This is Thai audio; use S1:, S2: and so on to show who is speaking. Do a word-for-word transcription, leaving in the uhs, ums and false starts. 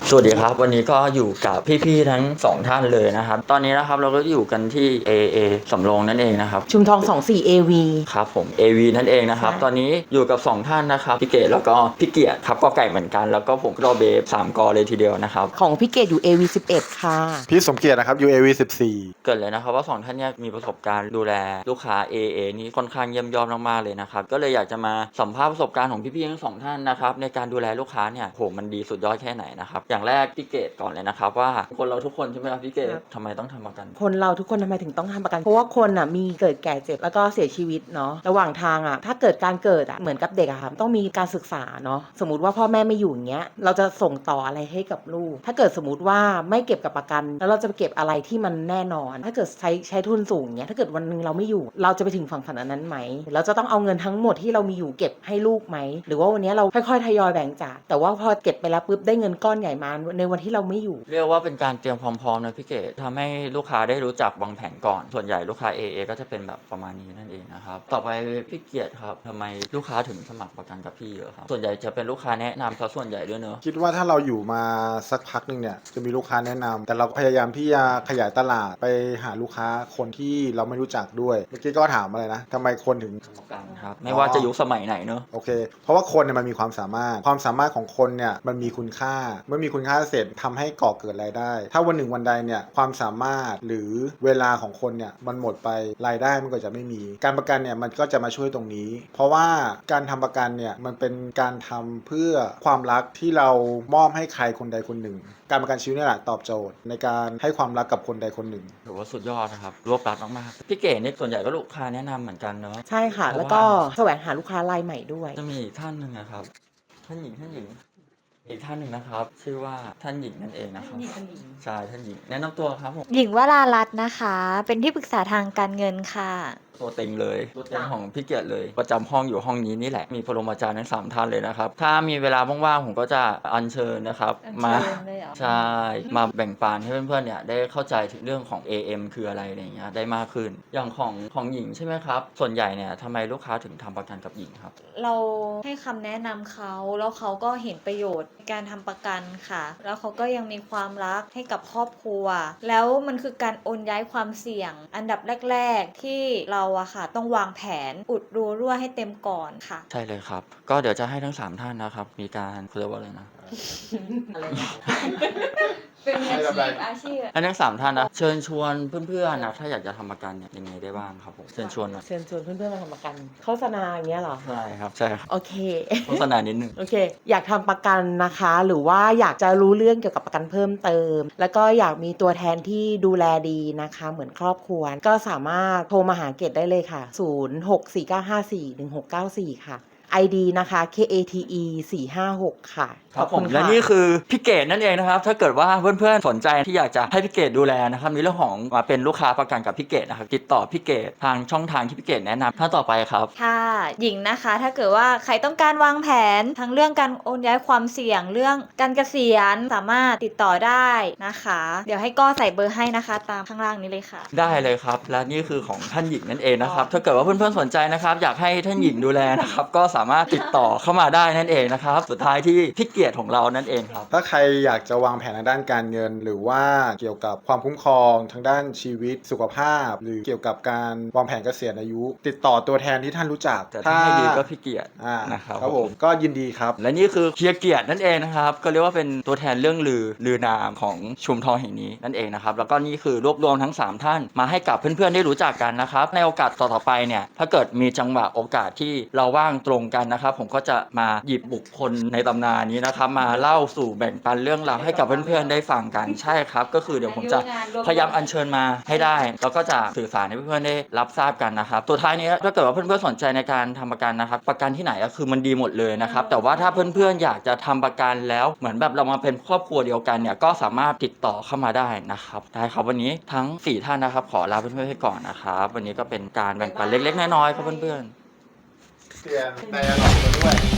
S1: สวัสดีครับวันนี้ก็อยู่กับพี่ๆทั้งสองท่านเลยนะครับตอนนี้นะครับเราก็อยู่กันที่ เอ เอ สำโรงนั่นเองนะครับ
S2: ชุมทองสองสี่ เอ วี
S1: ครับผม เอ วี นั่นเองนะครับตอนนี้อยู่กับสองท่านนะครับพี่เกดแล้วก็พี่เกียรติครับก็ไก่เหมือนกันแล้วก็ผมก็เบฟสามกอเลยทีเดียวนะครับ
S2: ของพี่เกดอยู่ เอ วี สิบเอ็ด ค่ะ
S3: พี่สมเกียรตินะครับ ยู เอ วี สิบสี่
S1: เกิดเลยนะครับว่าสองท่านเนี้มีประสบการณ์ดูแลลูกค้า เอ เอ นี่ค่อนข้างเยี่ยมยอดมากๆเลยนะครับก็เลยอยากจะมาสัมภาษณ์ประสบการณ์ของพี่ๆทั้งสองท่านนะครับในการดูแลลูกค้าเนี่ยโหมันดีสุดยอดแค่ไหนนะครับอย่างแรกพี่เกดก่อนเลยนะครับว่าคนเราทุกคนใช่ไหมครับพี่เกดทำไมต้องทำประกัน
S2: คนเราทุกคนทำไมถึงต้องทำประกันเพราะว่าคนอ่ะมีเกิดแก่เจ็บแล้วก็เสียชีวิตเนาะระหว่างทางอ่ะถ้าเกิดการเกิดอ่ะเหมือนกับเด็กอะค่ะต้องมีการศึกษาเนาะสมมติว่าพ่อแม่ไม่อยู่อย่างเงี้ยเราจะส่งต่ออะไรให้กับลูกถ้าเกิดสมมติว่าไม่เก็บกับประกันแล้วเราจะไปเก็บอะไรที่มันแน่นอนถ้าเกิดใช้ใช้ทุนสูงเงี้ยถ้าเกิดวันนึงเราไม่อยู่เราจะไปถึงฝั่งฝันอันนั้นไหมเราจะต้องเอาเงินทั้งหมดที่เรามีอยู่เก็บให้ลูกไหมหรือว่าวันนี้เราค่อยๆทยอยแบ่งจ่ายแต่ว่าพอเก็บไปแล้วปุ๊บได้เงินก้อนใหญ่มาในวันที่เราไม่อยู่
S1: เรียกว่าเป็นการเตรียมความพร้อมนะพี่เกดทำให้ลูกค้าได้รู้จักวางแผนก่อนส่วนใหญ่ลูกค้า เอ เอ ก็จะเป็นแบบประมาณนี้นั่นเองนะครับต่อไปพี่เกียรติครับทำไมลูกค้าถึงสมัครประกันกับพี่เยอะครับส่วนใหญ่จะเป็นลูกค้าแนะนำซะส่วนใหญ่ด้วยเนอะ
S3: คิดว่าถ้าเราอยู่มาสักพักหนึ่งเนี่ยจะมีลูกค้าแนะนำแต่เราพยายามที่จะขยายตลาดไปหาลูกค้าคนที่เราไม่รู้จักด้วยเมื่อกี้ก็ถามอะไรนะทำไมคนถึง
S1: ประกันครับไม่ว่าจะยุคสมัยไหนเนอะ
S3: โอเคเพราะว่าคนเนี่ยมันมีความสามารถความสามารถของคนเนี่ยมันมีคุณค่าเมื่อมีคุณค่าเสร็จทำให้ก่อเกิดรายได้ถ้าวันหนึ่งวันใดเนี่ยความสามารถหรือเวลาของคนเนี่ยมันหมดไปรายได้มันก็จะไม่มีการประกันเนี่ยมันก็จะมาช่วยตรงนี้เพราะว่าการทำประกันเนี่ยมันเป็นการทำเพื่อความรักที่เรามอบให้ใครคนใดคนหนึ่งการประกันชีวิตนี่แหละตอบโจทย์ในการให้ความรักกับคนใดคนหนึ่ง
S1: ถือว่าสุดยอดนะครับรวบรัดมากๆพี่เก๋นี่ส่วนใหญ่ก็ลูกค้าแนะนำเหมือนกันเนอะ
S2: ใช่ค่ะแล้วก็แสวงหาลูกค้ารายใหม่ด้วย
S1: จะมีอีกท่านหนึ่งนะครับท่านหญิงท่านหญิงอีกท่านหนึ่งนะครับชื่อว่าท่านหญิงนั่นเองนะครับใช่ท่านหญิงแนะนำตัวครับผม
S4: หญิงวรารัตน์นะคะเป็นที่ปรึกษาทางการเงินค่ะ
S1: ตัวเต็งเลยตัวเต็งของพี่เกียรติเลยประจำห้องอยู่ห้องนี้นี่แหละมีปรมาจารย์ทั้งสามท่านเลยนะครับถ้ามีเวลาว่างๆผมก็จะอัญเชิญนะครับมาใช่มาแบ่งปันให้เพื่อนๆเนี่ยได้เข้าใจถึงเรื่องของ เอ เอ็ม คืออะไรอะไรอย่างเงี้ยได้มากขึ้นอย่างของของหญิงใช่ไหมครับส่วนใหญ่เนี่ยทำไมลูกค้าถึงทำประกันกับหญิงครับ
S4: เราให้คำแนะนำเขาแล้วเขาก็เห็นประโยชน์ในการทำประกันค่ะแล้วเขาก็ยังมีความรักให้กับครอบครัวแล้วมันคือการโอนย้ายความเสี่ยงอันดับแรกๆที่เราอะค่ะต้องวางแผนอุดรูรั่วให้เต็มก่อนค่ะ
S1: ใช่เลยครับก็เดี๋ยวจะให้ทั้งสามท่านนะครับมีการเขาเรียกว่าอะไรนะ
S4: อะไรเป็นอาชีพอาชีพ
S1: ให้ทั้งสามท่านนะเชิญชวนเพื่อนๆนะถ้าอยากจะทำประกันเนี่ยยังไงได้บ้างครับผมเชิญชวนนะ
S2: เชิญชวนเพื่อนๆมาทำประกันโฆษณาอย่างเงี้ยเหรอ
S1: ใช่ครับใช่ครับ
S2: โอเค
S1: โฆษณานิดนึง
S2: โอเคอยากทำประกันนะคะหรือว่าอยากจะรู้เรื่องเกี่ยวกับประกันเพิ่มเติมแล้วก็อยากมีตัวแทนที่ดูแลดีนะคะเหมือนครอบครัวก็สามารถโทรมาหาเกดได้เลยค่ะศูนย์ หก สี่ เก้า ห้า สี่ หนึ่ง หก เก้า สี่ค่ะ ไอ ดี นะคะ เค เอ ที อี สี่ ห้า หก ค่ะ
S1: ครับผมและนี่คือพี่เกดนั่นเองนะครับถ้าเกิดว่าเพื่อนๆสนใจที่อยากจะให้พี่เกดดูแลนะครับในเรื่องของมาเป็นลูกค้าประกันกับพี่เกดนะครับติดต่อพี่เกดทางช่องทางที่พี่เกดแนะนำท่านต่อไปครับ
S4: ค่ะหญิงนะคะถ้าเกิดว่าใครต้องการวางแผนทั้งเรื่องการโอนย้ายความเสี่ยงเรื่องการเกษียณสามารถติดต่อได้นะคะเดี๋ยวให้ก้อใส่เบอร์ให้นะคะตามข้างล่างนี้เลยค่ะ
S1: ได้เลยครับและนี่คือของท่านหญิงนั่นเองนะครับถ้าเกิดว่าเพื่อนๆสนใจนะครับอยากให้ท่านหญิงดูแลนะครับก็สามารถติดต่อเข้ามาได้นั่นเองนะครับสุดท้ายที่พี่เกียรติของเรานั่นเองครับ
S3: ถ้าใครอยากจะวางแผนทางด้านการเงินหรือว่าเกี่ยวกับความคุ้มครองทางด้านชีวิตสุขภาพหรือเกี่ยวกับการวางแผนเกษียณอายุติดต่อตัวแทนที่ท่านรู้จัก
S1: แต่ถ้าให้ดีก็พี่เกียรติ
S3: นะครับครับผมก็ยินดีครับ
S1: และนี่คือเฮียเกียรตินั่นเองนะครับก็เรียกว่าเป็นตัวแทนเรื่องลือลือนามของชุมทองแห่งนี้นั่นเองนะครับแล้วก็นี่คือรวบรวมทั้งสามท่านมาให้กับเพื่อนๆได้รู้จักกันนะครับในโอกาสต่อๆไปเนี่ยถ้าเกิดมีจังหวะโอกาสที่เราว่างตรงกันนะครับผมก็จะมาหยิบบุคคลในตำนานนี้นะครับมาเล่าสู่แบ่งปันเรื่องราวให้กับเพื่อนๆได้ฟังกันใช่ครับก็คือเดี๋ยวผมจะพยายามอัญเชิญมาให้ได้แล้วก็จะสื่อสารให้เพื่อนๆได้รับทราบกันนะครับตัวท้ายนี้ถ้าเกิดว่าเพื่อนๆสนใจในการทำประกันนะครับประกันที่ไหนก็คือมันดีหมดเลยนะครับแต่ว่าถ้าเพื่อนๆอยากจะทำประกันแล้วเหมือนแบบเรามาเป็นครอบครัวเดียวกันเนี่ยก็สามารถติดต่อเข้ามาได้นะครับได้ครับวันนี้ทั้งสี่ท่านนะครับขอลาเพื่อนๆไปก่อนนะครับวันนี้ก็เป็นการแบ่งปันเล็กๆน้อยๆครับเพื่อนๆ
S3: เปลี่ยนแต่หลอกมาด้วย